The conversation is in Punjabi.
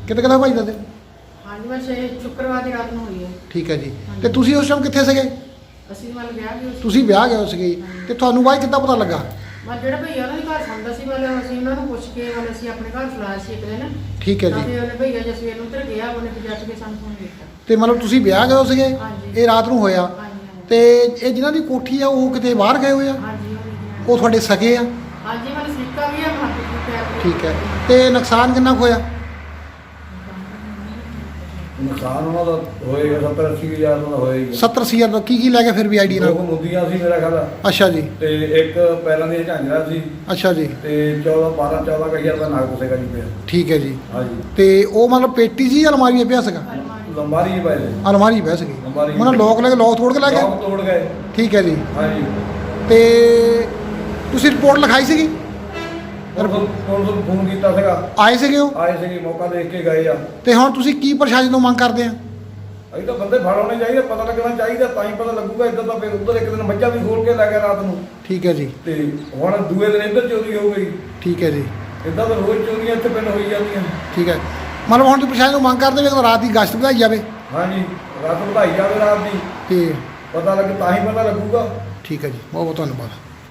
ਕਿਤੇ ਕਿਤੇ ਭਾਈ ਦੱਸੇ? ਹਾਂਜੀ ਬਸ ਇਹ ਸ਼ੁੱਕਰਵਾਰ ਦੀ ਰਾਤ ਨੂੰ ਹੋਈ ਹੈ। ਠੀਕ ਹੈ ਜੀ। ਤੇ ਤੁਸੀਂ ਉਸ ਟਾਈਮ ਕਿੱਥੇ ਸੀਗੇ? ਅਸੀਂ ਮਤਲਬ ਵਿਆਹ ਗਏ ਸੀ। ਤੁਸੀਂ ਵਿਆਹ ਗਏ ਸੀਗੇ ਤੇ ਤੁਹਾਨੂੰ ਬਾਅਦ ਕਿੱਦਾਂ ਪਤਾ ਲੱਗਾ? ਮਤਲਬ ਜਿਹੜਾ ਭਈਆ ਉਹਨਾਂ ਦੇ ਘਰ ਸੌਂਦਾ ਸੀ ਮਤਲਬ ਅਸੀਂ ਉਹਨਾਂ ਨੂੰ ਪੁੱਛ ਕੇ ਮਤਲਬ ਅਸੀਂ ਆਪਣੇ ਘਰ ਚਲਾਇਆ ਸੀ ਇੱਕ ਦਿਨ। ਠੀਕ ਹੈ ਤਾਂ ਜੀ। ਫਿਰ ਉਹਨੇ ਭਈਆ ਜੇ ਸਵੇਰ ਨੂੰ ਉੱਧਰ ਗਿਆ ਉਹਨੇ ਫਿਰ ਜੱਟ ਕੇ ਸਾਨੂੰ ਫੋਨ ਕੀਤਾ। ਤੇ ਮਤਲਬ ਤੁਸੀਂ ਵਿਆਹ ਗਏ ਸੀਗੇ? ਹਾਂਜੀ। ਇਹ ਰਾਤ ਨੂੰ ਹੋਇਆ? ਹਾਂਜੀ ਤੇ ਇਹ ਜਿਨ੍ਹਾਂ ਦੀ ਕੋਠੀ ਆ ਉਹ ਕਿਤੇ ਬਾਹਰ ਗਏ ਹੋਏ ਆ? ਹਾਂਜੀ ਉਹ ਤੁਹਾਡੇ ਸਕੇ ਆ? ਹਾਂਜੀ ਮਤਲਬ ਸਿੱਕਾ ਵੀ ਆ ਮਾਰਕੀਟ ਦੇ ਪੈਰ। ਠੀਕ ਹੈ। ਤੇ ਨੁਕਸਾਨ ਕਿੰਨਾ ਕੁ ਹੋਇਆ? ਨੁਕਸਾਨ ਉਹਨਾਂ ਦਾ ਹੋਏਗਾ 70-80 ਹਜ਼ਾਰ ਦਾ ਹੋਏਗਾ। 70-80 ਹਜ਼ਾਰ ਦਾ ਕੀ ਲੈ ਗਿਆ ਫਿਰ ਵੀ ਆਈਡੀ ਨਾਲ? ਦੋ ਮੁੰਦੀਆਂ ਸੀ ਮੇਰਾ ਖਿਆਲ। ਅੱਛਾ ਜੀ। ਤੇ ਇੱਕ ਪੈਰਾਂ ਦੀਆਂ ਝਾਂਜਰਾਂ ਸੀ। ਅੱਛਾ ਜੀ। ਤੇ 14 ਹਜ਼ਾਰ ਦਾ ਨਾਗ ਪੁਸੇਗਾ ਜੀ ਪਿਆ। ਠੀਕ ਹੈ ਜੀ। ਹਾਂਜੀ। ਤੇ ਉਹ ਮਤਲਬ ਪੇਟੀ ਸੀ ਜਾਂ ਅਲਮਾਰੀ ਵਿੱਚ ਪਿਆ ਸੀਗਾ? ਲੰਬਾਰੀ ਹੀ ਪਏ ਨੇ। ਅਲਮਾਰੀ ਪਿਆ ਸੀਗੀ। ਅਲਮਾਰੀ। ਉਹਨਾਂ ਲੋਕ ਲੈ ਕੇ ਲੋਕ ਤੋੜ ਕੇ ਲੈ ਗਏ? ਲੋਕ ਤੋੜ ਗਏ। ਠੀਕ ਹੈ ਜੀ। ਹਾਂਜੀ। ਤੇ ਤੁਸੀਂ ਰਿਪੋਰਟ ਲਿਖਾਈ ਸੀਗੀ? ਤੁਹਾਨੂੰ ਫੋਨ ਕੀਤਾ ਸੀਗਾ। ਆਏ ਸੀਗੇ ਉਹ? ਆਏ ਸੀਗੇ, ਮੌਕਾ ਦੇਖ ਕੇ ਗਏ ਆ। ਤੇ ਹੁਣ ਤੁਸੀਂ ਕੀ ਪ੍ਰਸ਼ਾਸਨ ਤੋਂ ਮੰਗ ਕਰਦੇ ਆ? ਅਸੀਂ ਤਾਂ ਬੰਦੇ ਫੜ ਹੋਣੇ ਚਾਹੀਦੇ, ਪਤਾ ਲੱਗਣਾ ਚਾਹੀਦਾ, ਤਾਂ ਹੀ ਪਤਾ ਲੱਗੂਗਾ। ਇੱਦਾਂ ਤਾਂ ਫਿਰ ਉੱਧਰ ਇੱਕ ਦਿਨ ਮੱਝਾਂ ਵੀ ਖੋਲ ਕੇ ਲੈ ਗਿਆ ਰਾਤ ਨੂੰ। ਠੀਕ ਹੈ ਜੀ। ਤੇ ਹੁਣ ਦੂਏ ਦਿਨ ਇੱਧਰ ਚੋਰੀ ਹੋ ਗਈ। ਠੀਕ ਹੈ ਜੀ। ਇੱਦਾਂ ਤਾਂ ਰੋਜ਼ ਚੋਰੀਆਂ ਇੱਥੇ ਪਿੰਡ ਹੋਈ ਜਾਂਦੀਆਂ। ਠੀਕ ਹੈ। ਮਤਲਬ ਹੁਣ ਤੁਸੀਂ ਪ੍ਰਸ਼ਾਸਨ ਤੋਂ ਮੰਗ ਕਰਦੇ ਵੀ ਰਾਤ ਦੀ ਗਸ਼ਤ ਵਧਾਈ ਜਾਵੇ? ਹਾਂਜੀ, ਰਾਤ ਵਧਾਈ ਜਾਵੇ ਰਾਤ ਦੀ। ਤੇ ਪਤਾ ਲੱਗੇ ਤਾਂ ਹੀ ਪਤਾ ਲੱਗੂਗਾ। ਠੀਕ ਹੈ ਜੀ, ਬਹੁਤ ਬਹੁਤ ਧੰਨਵਾਦ।